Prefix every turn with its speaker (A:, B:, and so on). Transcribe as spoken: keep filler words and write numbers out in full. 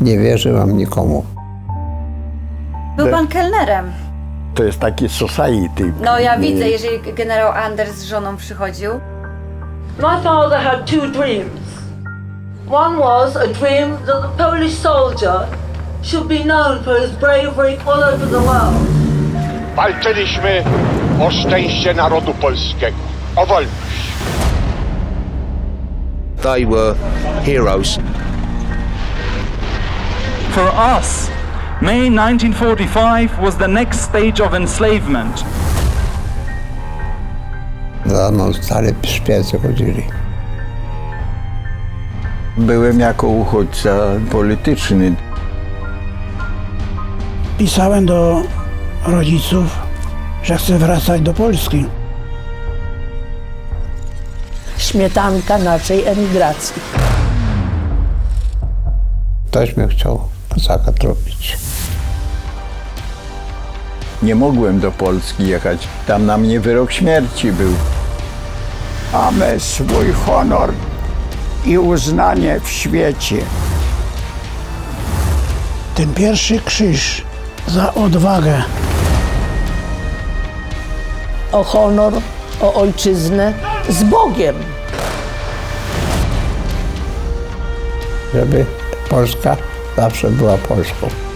A: Nie wierzyłam nikomu.
B: Był pan kelnerem.
C: To jest taki society.
B: No ja widzę, jeżeli generał Anders z żoną przychodził.
D: My father had two dreams. One was a dream that the Polish soldier should be known for his bravery all over the world.
E: Walczyliśmy o szczęście narodu polskiego, o wolność.
F: They were heroes.
G: For us, May nineteen forty-five was the next stage of enslavement.
A: Za mną stale szpiecy chodzili.
C: Byłem jako uchodźca polityczny.
H: Pisałem do rodziców, że chcę wracać do Polski.
I: Śmietanka naszej emigracji.
A: Ktoś mnie chciał kozaka tropić.
C: Nie mogłem do Polski jechać. Tam na mnie wyrok śmierci był.
J: Mamy swój honor i uznanie w świecie.
H: Ten pierwszy krzyż za odwagę.
I: O honor, o ojczyznę z Bogiem.
A: Żeby Polska zawsze była Polską.